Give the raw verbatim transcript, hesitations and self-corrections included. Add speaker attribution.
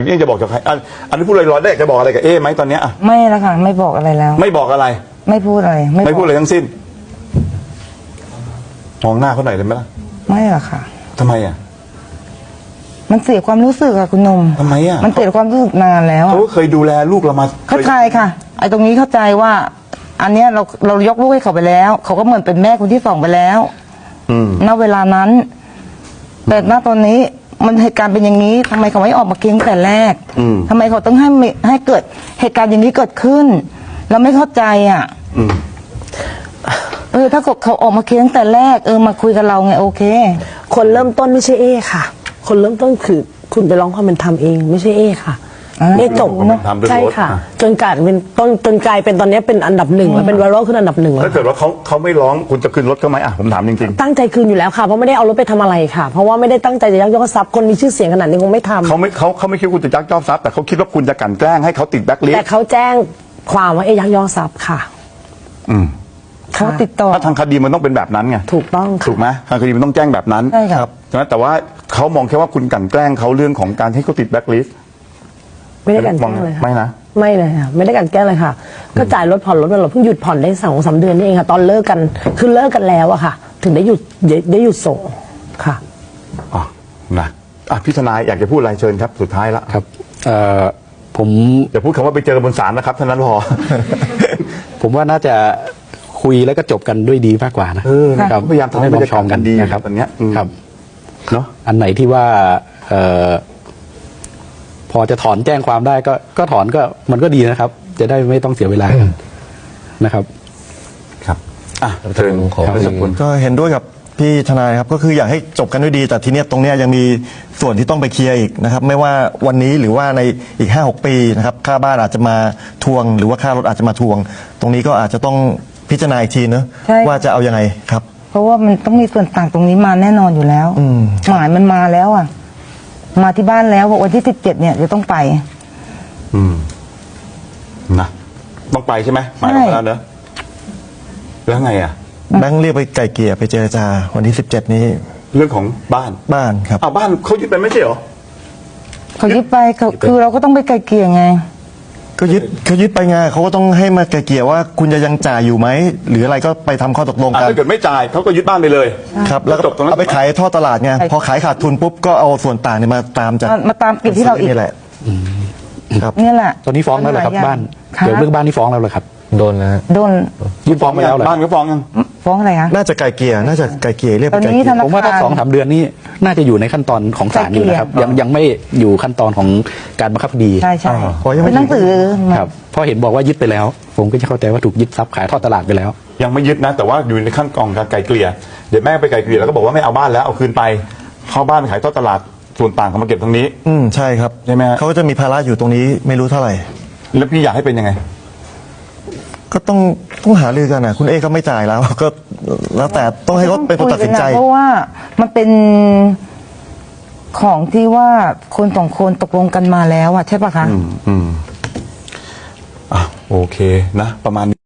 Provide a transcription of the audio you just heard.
Speaker 1: นี่จะบอกกับใครอันอันนี้พูดลอยๆได้จะบอกอะไรกับเอ๊ไหมตอนเนี้ยอ่ะ
Speaker 2: ไม่แล้วค่ะไม่บอกอะไรแล้ว
Speaker 1: ไม่บอกอะไร
Speaker 2: ไม่พูดอะไร
Speaker 1: ไม่พูดอะไรทั้งสิ้นมองหน้าเขาหน่อยเลยไหมล่ะ
Speaker 2: ไม่หรอกค่ะ
Speaker 1: ทำไมอ่ะ
Speaker 2: มันเสียความรู้สึกอะคุณนม
Speaker 1: ทำไมอ่ะ
Speaker 2: มันเสียความรู้สึกนานแล้ว
Speaker 1: เขาเคยดูแลลูกเรามา
Speaker 2: เข้าใจค่ะไอ้ตรงนี้เข้าใจว่า อันเนี้ยเราเรายกลูกให้เขาไปแล้วเขาก็เหมือนเป็นแม่คนที่สองไปแล้วณเวลานั้นแต่ณตอนนี้มันเหตุการณ์เป็นอย่างนี้ทำไมเขาไม่ออกมาเคียงแต่แรกทำไมเขาต้องให้ให้เกิดเหตุการณ์อย่างนี้เกิดขึ้นเราไม่เข้าใจอ่ะเออถ้าเขาออกมาเคียงแต่แรกเออมาคุยกับเราไงโอเค
Speaker 3: คนเริ่มต้นไม่ใช่เอค่ะคนเริ่มต้นคือคุณไปร้องความเป็นธรรมเองไม่ใช่เอค่ะเอจบเนาะใช่ค่ะจนกลายเป็นต้นจนกลายเป็นตอนนี้เป็นอันดับหนึ่งแล้วเป็นไวรัลขึ้นอันดับหนึ่งแล้ว
Speaker 1: ถ้าเกิดว่าเขาเขาไม่ร้องคุณจะคืนรถเขาไหมอ่ะผมถามจริง
Speaker 3: ๆตั้งใจคืนอยู่แล้วค่ะเพราะไม่ได้เอารถไปทำอะไรค่ะเพราะว่าไม่ได้ตั้งใจจะยักยอกทรัพย์คนมีชื่อเสียงขนาดนี้คงไม่ทำ
Speaker 1: เขาไม่เขาเขาไม่คิดว่าคุณจะยักยอกทรัพย์แต่เขาคิดว่าคุณจะกลั่นแกล้งให้เขาติดแบล็คลิสต์
Speaker 3: แต่เขาแจ้งความว่าเอยักยอกทรัพย์ค่ะ
Speaker 1: อืม
Speaker 2: เขาติดต่อ
Speaker 1: ถ้าทางคดีมันต้องเป็นแบบนั้นไง
Speaker 3: ถูกต้อง
Speaker 1: ถูกไหมทางคดีมันต้องแจ้งแบบนั้น
Speaker 2: ใช่ครับ
Speaker 1: ใช่ไหมแต่ว่าเขามองแค่ว่าคุณกลั่นแกล้งเขาเรื่องของการให้เขาติดแบล็คลิสต์
Speaker 3: ไม่ได้กันแกล้งเลยค่ะ
Speaker 1: ไม่นะ
Speaker 3: ไม่เลยค่ะไม่ได้กันแกล้งเลยค่ะก็จ่ายรถผ่อนรถไปเราเพิ่งหยุดผ่อนได้สองสามเดือนนี่เองค่ะตอนเลิกกันคือเลิกกันแล้วอะค่ะ ถึงได้หยุดได้หยุดส่งค่ะ
Speaker 1: อ๋อนะอ่ะพี่ทนายอยากจะพูดอะไรเชิญครับสุดท้ายแล้ว
Speaker 4: ครับเอ่อผม
Speaker 1: อย่าพูดคำว่าไปเจอบนศาลนะครับเท่านั้นพอ
Speaker 4: ผมว่าน่าจะคุยแล้วก็จบกันด้วยดีมากกว่านะ
Speaker 1: ครับพยายามทำให้บรรยากาศกันดี
Speaker 4: นะครับ
Speaker 1: ตอนนี้
Speaker 4: ครับ
Speaker 1: เนาะ
Speaker 4: อันไหนที่ว่าเอ่อพอจะถอนแจ้งความได้ก็ก็ถอนก็มันก็ดีนะครับ จะได้ไม่ต้องเสียเวลานะครับ
Speaker 1: ครับอ่ะเชิญขอสมควร
Speaker 5: ก็เห็นด้วยกับพี่ทนายครับก็คืออยากให้จบกันด้วยดีแต่ทีเนี้ยตรงเนี้ยยังมีส่วนที่ต้องไปเคลียร์อีกนะครับไม่ว่าวันนี้หรือว่าในอีก ห้าหก ปีนะครับค่าบ้านอาจจะมาทวงหรือว่าค่ารถอาจจะมาทวง ตรงนี้ก็อาจจะต้องพิจารณาอีกทีเนอะว่าจะเอายังไงครับ
Speaker 2: เพราะว่ามันต้องมีส่วนต่างตรงนี้มาแน่นอนอยู่แล้วหมายมันมาแล้วอ่ะมาที่บ้านแล้ววันที่สิบเจ็ดเนี่ยจะต้องไป
Speaker 1: อืมนะต้องไปใช่ไหมหมายออกมาแล้วเนอะแล้วไงอ่ะ
Speaker 5: แบงค์เรียกไปไกลเกลี่ยไปเจรจาวันที่สิบเจ็ดนี้
Speaker 1: เรื่องของบ้าน
Speaker 5: บ้านครับ
Speaker 1: อ้าวบ้านเขายึดไปไม่ใช่เหรอ
Speaker 2: เขายึดไปคือเราก็ต้องไปไกลเกลี่ยไง
Speaker 5: ก็ยึดเขายึดไปไงเขาก็ต้องให้มาไกลเกลี่ยว่าคุณจะยังจ่ายอยู่ไหมหรืออะไรก็ไปทำข้อตกลงกัน
Speaker 1: ถ้าเกิดไม่จ่ายเขาก็ยึดบ้านไปเลย
Speaker 5: ครับแล้วก็เอาไปขายท่อตลาดไงพอขายขาดทุนปุ๊บก็เอาส่วนต่างเนี่ยมาตามจาก
Speaker 2: มาตามเก็บที่เราอีก
Speaker 5: นี่แหละ
Speaker 2: ครับนี่แหละ
Speaker 4: ตอนนี้ฟ้องแล้วเหรอครับบ้านเกี่ยวเรื่องบ้านที่ฟ้องแล้วเหรอครับ
Speaker 5: โดนนะ
Speaker 2: โดน
Speaker 4: ยื่นฟ้องไปแล้วเหรอ
Speaker 1: บ้านก็ฟ้องยัง
Speaker 2: ฟ้องอะไรคะ
Speaker 5: น่าจะไกลเกลี่ยน่าจะไกลเกลี่ยเรียกไปไกลเกลี่ย
Speaker 4: ผมว่าถ้าสองสามเดือนนี้น่าจะอยู่ในขั้นตอนของศาลอยู่นะครับยังยังไม่อยู่ขั้นตอนของการบังคับคดี
Speaker 2: ใช่ใช่
Speaker 5: เป็น
Speaker 2: หนังสือ
Speaker 4: ครับพอเห็นบอกว่ายึดไปแล้ว ผมก็จะเข้าใจว่าถูกยึดทรัพย์ขายทอดตลาดไปแล้ว
Speaker 1: ยังไม่ยึดนะแต่ว่าอยู่ในขั้นตอนการไกลเกลี่ยเดี๋ยวแม่ไปไกลเกลี่ยแล้วก็บอกว่าไม่เอาบ้านแล้วเอาคืนไปเข้าบ้านขายทอดตลาดส่วนต่างเขามาเก็บตรงนี้
Speaker 5: อืมใช่ครับ
Speaker 1: ใช่ไหม
Speaker 5: เขาจะมีภาระอยู่ตรงนี้ไม่รู้เท่าไหร่
Speaker 1: แล้วพี่อยากให้เป็นยังไง
Speaker 5: ก็ต้องต้องหารือกันนะคุณเอก็ไม่จ่ายแล้วก็แล้วแต่ต้องให้เขาเป็นคนตัดสินใจ
Speaker 2: เพราะว่ามันเป็นของที่ว่าคนสองคนตกลงกันมาแล้วอ่ะใช่ปะคะ
Speaker 1: อืมอืมอ่ะโอเคนะประมาณ